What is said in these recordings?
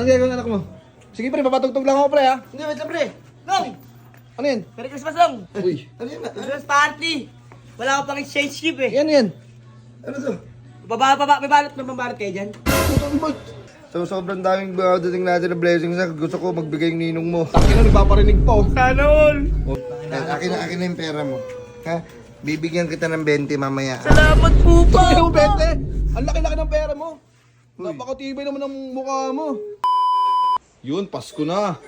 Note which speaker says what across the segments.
Speaker 1: Anong gagawin anak mo? Sige pre, papatugtog lang ako pre ha.
Speaker 2: Hindi, wait lang pre. Nong!
Speaker 1: Ano yan?
Speaker 3: Merry Christmas Nong!
Speaker 1: Uy.
Speaker 2: Ano yan?
Speaker 3: Christmas party! Wala ko pang exchange gift eh.
Speaker 1: Yan yan.
Speaker 2: Ano to?
Speaker 3: May balot kayo dyan?
Speaker 2: So sobrang daming dating natin na blessings na gusto ko magbigay ng ninong mo.
Speaker 1: Takin na, nagpaparinig pa oh.
Speaker 3: Sana all!
Speaker 2: Akin na yung pera mo. Ha? Bibigyan kita ng 20 mamaya.
Speaker 3: Salamat po pa!
Speaker 1: Takin mo, Bente. Ang laki-laki ng pera mo. Napakatibay naman ng mukha mo. Yun, Pasko na.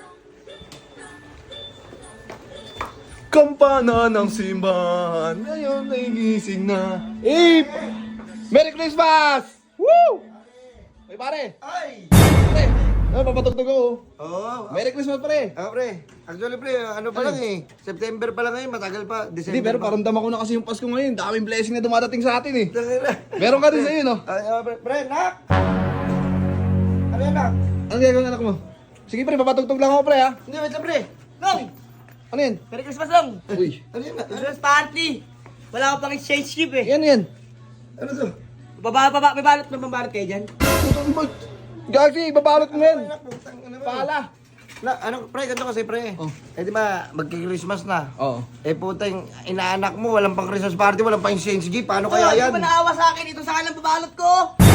Speaker 1: Kampana ng simbahan, ngayon ay gising na. Hey! Merry Christmas! Woo! Ay pare!
Speaker 2: Ay!
Speaker 1: Pare! Ano, papatugtog ako.
Speaker 2: Oo.
Speaker 1: Merry Christmas pare!
Speaker 2: Pre. Actually pre, ano pa lang eh. September pa lang ngayon, matagal pa.
Speaker 1: Hindi,
Speaker 2: December
Speaker 1: pero
Speaker 2: pa.
Speaker 1: paramdam ako na kasi yung Pasko ngayon. Daming blessing na dumadating sa atin eh.
Speaker 2: Tangina.
Speaker 1: Meron ka rin sa'yo, no?
Speaker 2: Ay, pre, nak! Ano yan, nak?
Speaker 1: Ano gagawin anak mo? Sige pre, papatugtog lang ako pre ha.
Speaker 2: Hindi, wait lang pre.
Speaker 3: Nong!
Speaker 1: Ano yan?
Speaker 3: Merry Christmas Nong!
Speaker 1: Uy.
Speaker 2: Ano yan, nak?
Speaker 3: Christmas party! Wala ko pang exchange gift eh.
Speaker 1: Yan yan.
Speaker 2: Ano to?
Speaker 3: May balot kayo dyan?
Speaker 1: Gagi, babalot mo yan.
Speaker 2: Nak, putang, ano ba?
Speaker 1: Paala.
Speaker 2: Na, ano, pre, ganito kasi pre.
Speaker 1: Oh.
Speaker 2: Eh di ba, magki-Christmas na.
Speaker 1: Oo.
Speaker 2: Eh putang, inaanak mo, walang pang Christmas party, walang pang exchange gift. Paano
Speaker 3: Kaya
Speaker 2: kaya yan?
Speaker 3: Di ba naawa sa akin ito sa akin ang babalot ko?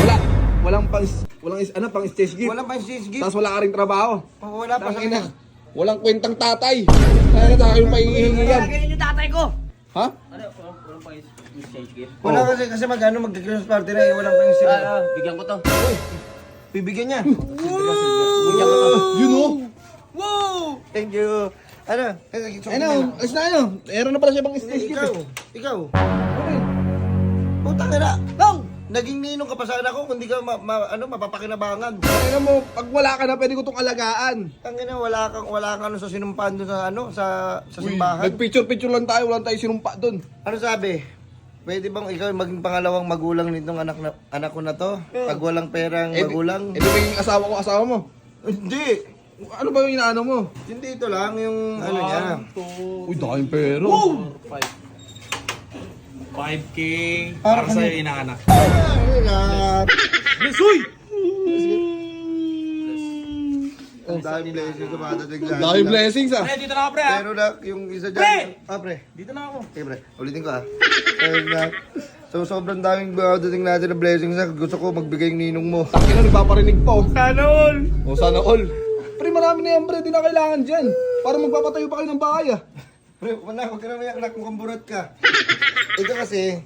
Speaker 1: Walang stage gift.
Speaker 2: Walang pang exchange gift.
Speaker 1: Tapos wala ka rin trabaho.
Speaker 2: Oh, wala pa sa
Speaker 1: Tangina. Walang kwentang tatay. Kaya sa akin maihihingi yan.
Speaker 3: Kaya ganyan yung tatay ko.
Speaker 1: Ha?
Speaker 3: Walang pang exchange gift?
Speaker 2: Wala kasi magkano magki-Christmas party na eh, walang pang exchange gift.
Speaker 3: Bigyan ko to.
Speaker 2: Bibigyan niya.
Speaker 3: Bigyan ko to.
Speaker 1: Yun o.
Speaker 3: Wow!
Speaker 2: Thank you. Ano?
Speaker 1: Ano, alis na ano. Meron na pala siya bang stage gift eh.
Speaker 2: Ikaw.
Speaker 1: Ano yun?
Speaker 2: Putang ina.
Speaker 3: Nong!
Speaker 2: Naging ninong ka pa sa anak ko, kung di ka mapapakinabangan.
Speaker 1: Kaya mo, pag wala ka na, pwede ko itong alagaan.
Speaker 2: Tangina, wala kang ano sa sinumpaan doon sa
Speaker 1: Uy,
Speaker 2: simbahan.
Speaker 1: nagpicture-picture lang tayo, wala tayong sinumpa doon.
Speaker 2: Ano sabi? Pwede bang ikaw maging pangalawang magulang nitong anak ko na to? Pag walang perang magulang?
Speaker 1: Eh di magiging asawa mo.
Speaker 2: Hindi.
Speaker 1: Ano ba yung inaano mo?
Speaker 2: Hindi ito lang yung ano niya.
Speaker 1: Uy, daming pera.
Speaker 4: 5K para sa'yo inaanak.
Speaker 1: Lesoy!
Speaker 2: Ang daming blessings sa mga dating sa
Speaker 1: Daming blessings ah.
Speaker 4: Pre, dito na ako pre ha.
Speaker 2: Pero na, yung isa dyan.
Speaker 4: Pre!
Speaker 2: Pre.
Speaker 4: Dito na ako.
Speaker 2: Okay, pre. Ulitin ko Ayun na. So, sobrang daming dating natin na blessings na gusto ko magbigay ng ninong mo.
Speaker 1: Takin na, nagpaparinig pa oh.
Speaker 4: Sana all.
Speaker 1: O sana all. Pre, marami na yan pre, di na kailangan dyan. Para magpapatayo pa kayo ng bahay ah.
Speaker 2: Pre, huwag ka na may anak mo, kamburat ka. Ito kasi,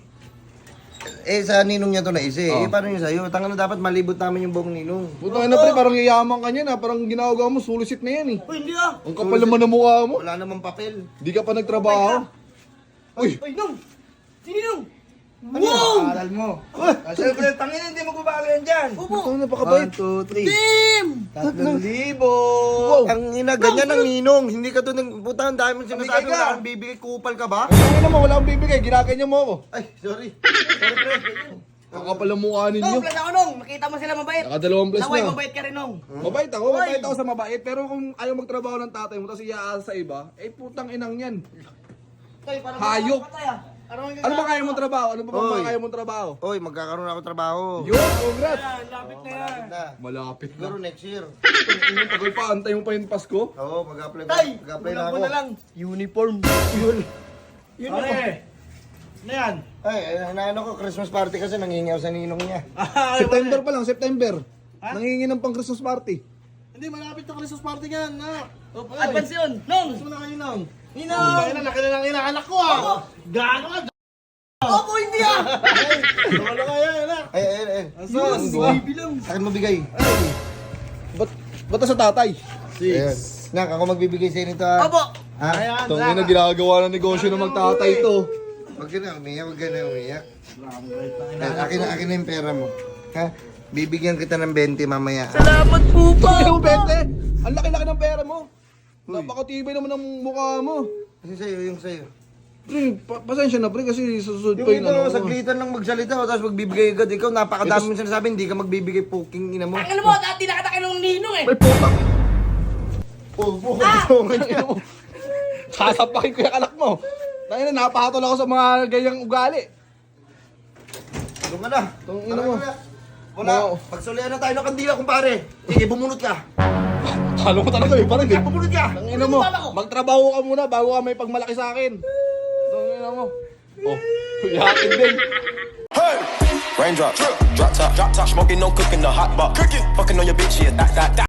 Speaker 2: sa ninong niya to na isa eh. Paano yung sa'yo? Tanga na dapat malibot namin yung buong ninong.
Speaker 1: Putang ina pre, parang yayaman ka niyan ah. Parang ginagawa mo, sulisit na yan eh.
Speaker 3: Uy, hindi ah!
Speaker 1: Ang kapal naman ng mukha mo.
Speaker 2: Wala namang papel.
Speaker 1: Di ka pa nagtrabaho. Uy,
Speaker 3: Uy, Nong! Sino Nong?
Speaker 2: Ano yung aral mo? Siyempre, tangin hindi magbabago yan dyan.
Speaker 1: putang napakabait.
Speaker 2: 1, 2, 3.
Speaker 3: Damn!
Speaker 2: 3,000.
Speaker 1: Wow.
Speaker 2: Ang ina, ganyan ang ninong. Hindi ka to ng puta, ang dami mong
Speaker 1: Bigay
Speaker 2: sinasabi.
Speaker 1: ka.
Speaker 2: Wala kang bibigay, kupal ka ba?
Speaker 1: Ang ina mo, wala akong bibigay. Ginaganyan mo ako.
Speaker 2: Ay, sorry. Sorry, pre.
Speaker 1: Ang kapal ng mukha
Speaker 3: Nong,
Speaker 1: ninyo.
Speaker 3: plus ako Nong! Makita mo sila mabait!
Speaker 1: Nakadalawang bless
Speaker 3: Naway,
Speaker 1: na.
Speaker 3: mabait ka rin Nong!
Speaker 1: Mabait ako sa mabait. Pero kung ayaw magtrabaho ng tatay mo, tapos iaasa sa iba, eh putang inang yan.
Speaker 3: Toy, parang
Speaker 1: Hayop.
Speaker 3: patay ah!
Speaker 1: Ano ba kaya mong trabaho? Ano ba
Speaker 2: Oy.
Speaker 1: bang kaya mong trabaho?
Speaker 2: Oy, magkakaroon ako trabaho.
Speaker 1: Yun, congrats!
Speaker 3: Lapit na yan!
Speaker 2: Na.
Speaker 1: Malapit
Speaker 2: Siguro
Speaker 1: na.
Speaker 2: next year.
Speaker 1: Ang tagal pa, antay mo pa yung Pasko.
Speaker 2: Oo, mag-apply
Speaker 3: Tay!
Speaker 2: Mag-apply na
Speaker 3: Kulang
Speaker 2: ako.
Speaker 3: mo na lang!
Speaker 2: Uniform. Yun. Yun ako.
Speaker 4: Pare. Ano yan?
Speaker 2: Ay, ano ko, Christmas party kasi nangingi ako sa ninong niya.
Speaker 1: September pa lang, September. Nangingi ng pang Christmas party.
Speaker 4: Hindi, malapit na Christmas party yan. Na.
Speaker 3: Advance yun! Nong!
Speaker 4: Gusto mo na kayo nang.
Speaker 3: Ninong!
Speaker 4: Kaya na, laki na lang inaanak ko ah. Gaano ka?
Speaker 3: Opo, hindi ah!
Speaker 4: Ano kaya yan ah?
Speaker 2: Ay.
Speaker 1: Yun, diba?
Speaker 3: Bilang!
Speaker 2: Akin mo bigay.
Speaker 1: Ba't sa tatay?
Speaker 2: Ayun. Nak, ako magbibigay sa inyo nito ha.
Speaker 3: Opo!
Speaker 2: Ha?
Speaker 4: Ayan,
Speaker 1: Tungin na ginagawa ng negosyo ng magtatay to.
Speaker 2: Huwag ka na umiyak, huwag ka na umiyak. Akin na yung pera mo. Ha? Bibigyan kita ng 20 mamaya.
Speaker 3: Salamat po pa!
Speaker 1: Ano, Bente? Ang laki-laki ng pera mo. Napakatibay naman ng mukha mo.
Speaker 2: Kasi sa'yo, yung sa'yo.
Speaker 1: Pre, pasensya na pre kasi susunod
Speaker 2: Yung
Speaker 1: pa yung
Speaker 2: ito,
Speaker 1: ano.
Speaker 2: saglitan lang magsalita tapos magbibigay agad. Ikaw, napakadami mong sinasabi, hindi ka magbibigay poking ina mo.
Speaker 3: Ang mo, dati nakita ka ng ninong eh!
Speaker 1: May putang.
Speaker 2: Oh,
Speaker 1: Sasapakin ko yung anak mo. Dahil na napahatol ako sa mga ganyang ugali.
Speaker 2: Doon ka na.
Speaker 1: Tong ina mo.
Speaker 2: Wala. Pagsulian na tayo ng kandila, kumpare. Sige, bumunot ka.
Speaker 1: Talo ko talaga eh, parang eh.
Speaker 2: Bumunot ka.
Speaker 1: Ang ina mo, magtrabaho ka muna bago ka may pagmalaki sa akin. Ang ina mo. Oh, yakin din.
Speaker 5: Raindrop, drop top, smoking, no cooking, the hot pot, fucking on your bitch, yeah, that.